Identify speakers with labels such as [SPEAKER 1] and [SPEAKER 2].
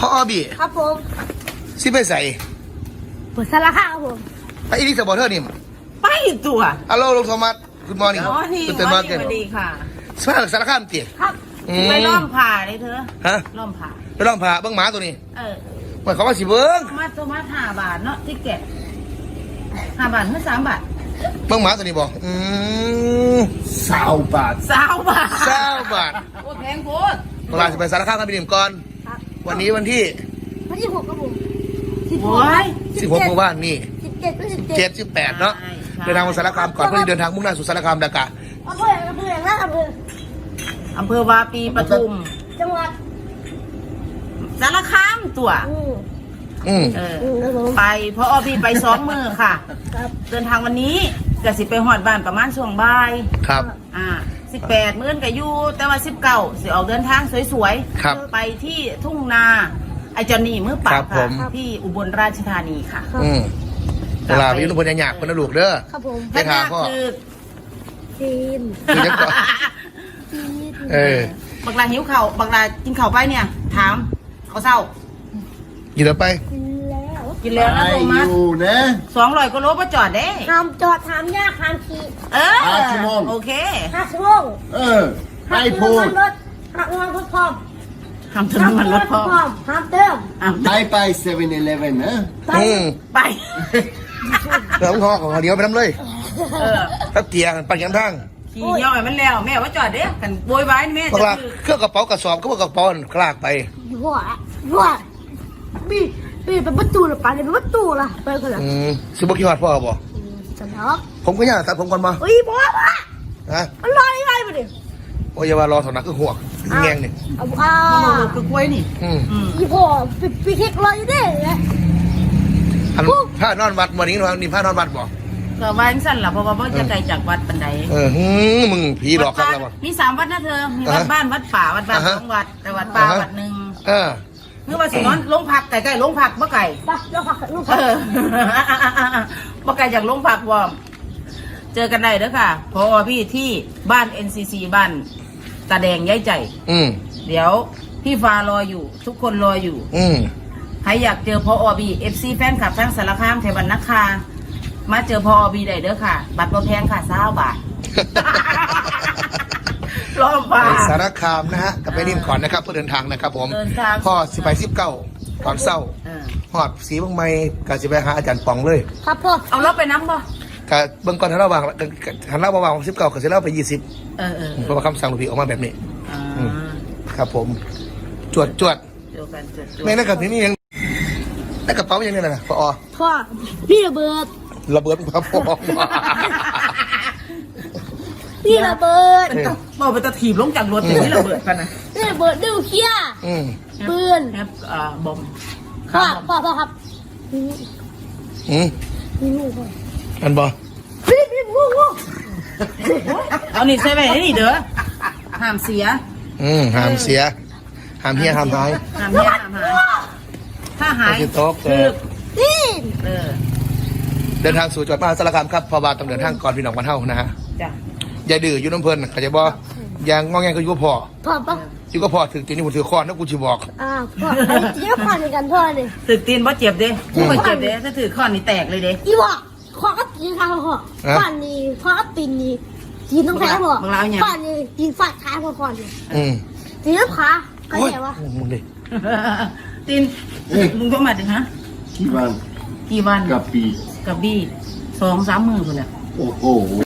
[SPEAKER 1] พ่ออ้อบี
[SPEAKER 2] ครับผม
[SPEAKER 1] สิไปใส่
[SPEAKER 2] เปิดสารคามครับผม
[SPEAKER 1] ไปอีลิสบอร์เทอร์นี่
[SPEAKER 3] ไปตัว
[SPEAKER 1] ฮัลโหลลุงโทมัสคุณมอร์นิ่ง
[SPEAKER 3] คุณสวัสดีค่ะ
[SPEAKER 1] สมาสารคามเตี๋ย
[SPEAKER 2] ครับ
[SPEAKER 3] ไปล้อมผ่าเลยเธอ
[SPEAKER 1] ฮะ
[SPEAKER 3] ล้อมผ่า
[SPEAKER 1] ไปล้อมผ่าเบิ้งหมาตัวนี้หมายความว่าสิเบิ้ง
[SPEAKER 3] ตัวมา5 บาทเนาะที่เก็บ5 บาทเมื่อ3 บาท
[SPEAKER 1] เบิ้งหมาตัวนี้บอก
[SPEAKER 4] 20 บาท
[SPEAKER 3] 20 บาท
[SPEAKER 1] 20 บาท
[SPEAKER 3] โอ้แพงโคตร
[SPEAKER 1] เวลาจะไปสารคามกันไปดื่มก่อนวันนี้วันที่
[SPEAKER 2] 6ครับผม
[SPEAKER 1] 16 เมื่อวานนี่
[SPEAKER 2] 17
[SPEAKER 1] 18เนาะเดินทางมาสารคามก่อนเพื่อเดินทางมุ่งหน้าสู่สารคามดากะ
[SPEAKER 3] อำเภอวาปีปทุม
[SPEAKER 2] จังหวัด
[SPEAKER 3] สารคามตัวไปเพราะพี่ไป2 มื้อค่ะเดินทางวันนี้ก็สิไปหอดบ้านประมาณช่วงบ่าย
[SPEAKER 1] ครับ
[SPEAKER 3] 18 มื้อก็อยู่แต่ว่า19สิออกเดินทางสวยๆไปที่ทุ่งนาไอจอนนี่มือปราบค่ะที่อุบลราชธานีค่ะ
[SPEAKER 1] เวลาไปยุ่งพลยังหยาบคนละลูกเด้อ
[SPEAKER 2] ครับผม
[SPEAKER 1] ได้ค่ะพ่อ
[SPEAKER 2] จีน
[SPEAKER 3] บักลาหิวเข่าบักลากินเข่าไปเนี่ยถามเขาเศร้า
[SPEAKER 1] กินแล้วไป
[SPEAKER 3] กินแล้วนะโทมัส200 กว่าโลก็จอดได้
[SPEAKER 2] ห้ามจอดห้ามยากห้ามขี่
[SPEAKER 4] 5 ชั่วโมง
[SPEAKER 3] โอเค
[SPEAKER 2] 5 ชั่วโมง
[SPEAKER 4] ไม่พูด
[SPEAKER 2] ห้ามรถพร้อม
[SPEAKER 3] ห้ามเติมมันรถพร้อม
[SPEAKER 2] ห้ามเติม
[SPEAKER 4] ไป7-Eleven นะ
[SPEAKER 3] ไป
[SPEAKER 1] เติมคอของเดียวไปทำเลยถ้าเตียงปั่นยังทั้ง
[SPEAKER 3] ขี่ย่อยมันแล้วแม่ว่าจอดเด้กันโวยวายแม่
[SPEAKER 1] จะเครื่องกระเป๋ากระสอบก็ว่ากระเป๋าคลากไป
[SPEAKER 2] ว่าบีเป็นประตูหรือเปล่าเนี่ยเป็นประตูล่ะไปกันเหรอ
[SPEAKER 1] ซื้อบุกี้ฮอดพ่อบ่
[SPEAKER 2] จะน็อก
[SPEAKER 1] ผมก็อยากตัดผมก่อนมา
[SPEAKER 2] พ่อมันลอยไปดิ
[SPEAKER 1] โอ้ยอย่ามารอถอดนักคือหวกแงงนี่
[SPEAKER 3] คือกล้วยนี่
[SPEAKER 2] พ่อปีเค้กลอยอยู่ดิ
[SPEAKER 1] ผ้านอนวัดวันนี้นี่ผ้านอนวัดบ่
[SPEAKER 3] ก็ว่าสั้นล่ะเพราะว่าจะไกลจากวัดปันใด
[SPEAKER 1] มึงผีหลอกกันแล้วบ่
[SPEAKER 3] มี3 วัดนะเธอมีวัดบ้านวัดป่าวัดบ้าน2 วัดแต่วัดป่าวัดนึงนึกว่าสินอนลงผักไก่ลงผักบ่ไก่
[SPEAKER 2] ลงผัก
[SPEAKER 3] บ่ไก่จากลงผักวอมเจอกันได้เด้อค่ะพอพี่ที่บ้าน NCC บ้านตาแดงย้ายใจเดี๋ยวพี่ฟ้ารออยู่ทุกคนรออยู่ใครอยากเจอพอบี FC แฟนคลับทั้งสารคามเทวันนักคามาเจอพอบีได้เด้อค่ะบัตรบ่แพงค่ะ20 บาทรอบบ่า
[SPEAKER 1] สารคามนะฮะกับไปริมขอนนะครับเพื่อเดินทางนะครับผมพ่อ10 ไป 19ตอนเศร้าหอดสีบางไม้กับสิไปหาอาจารย์ปองเลย
[SPEAKER 2] ครับพ่อ
[SPEAKER 3] เอารถไปน้ำป่ะ
[SPEAKER 1] กับเบื้องก่อนทันระหว่าง19กับ19ไป20เพราะว่าคำสั่งหลวงพี่ออกมาแบบนี้ครับผมจวดไม่ได้กับนี่ยังได้กระเป๋ายังไงนะพ่อ
[SPEAKER 2] พี่ระเบิด
[SPEAKER 1] ครับพ่อ
[SPEAKER 2] พี่ระเบิด
[SPEAKER 3] บอกไปตะถีบลงจากรถอย่างนี้ระเบิดกันนะ
[SPEAKER 2] พี่ระเบิดดูเขี้ยปืน
[SPEAKER 3] บอม
[SPEAKER 2] พ่อครับ
[SPEAKER 1] อันบอ
[SPEAKER 3] เอานี่ใส่ไปนี่เด้อห้ามเสีย
[SPEAKER 1] ห้ามเสียห้ามเฮียห้ามหาย
[SPEAKER 3] ถ้าหาย
[SPEAKER 1] คือเดินทางสู่จังหวัดมหาสารคามครับพอบาต้องเดินทางก่อนพี่น้องวันเท่านะฮะอย่าดื้ออยู่น้ำเพลินเข้าใจบ่อย่างงอแงก็อยู่กับพ่ออยู่กับพ่อถึงตีนี่ผมถือค้อนนะกูจะบอก
[SPEAKER 2] พ่อตีนค้อนในกันพ่อเลย
[SPEAKER 3] ถือตีนบ่เจ็บเด้กูบ่เจ็บเด้ถ้าถือค้อนนี่แตกเลยเด้
[SPEAKER 2] อีบ่ข้อก็ตีนข้างพ่อค้อนนี่ข้อก็ตีนนี่ตีนต้องแพ้พ่อค้อนนี่ตีนฟาดขาพ่อนี่ตีนขาก็แย่วะ
[SPEAKER 1] มึงดิ
[SPEAKER 3] ตีนมึงก็มาดิฮะ
[SPEAKER 4] กี่วัน
[SPEAKER 3] กับบี้2-3 มื้อคนแหละ
[SPEAKER 4] โอ้โห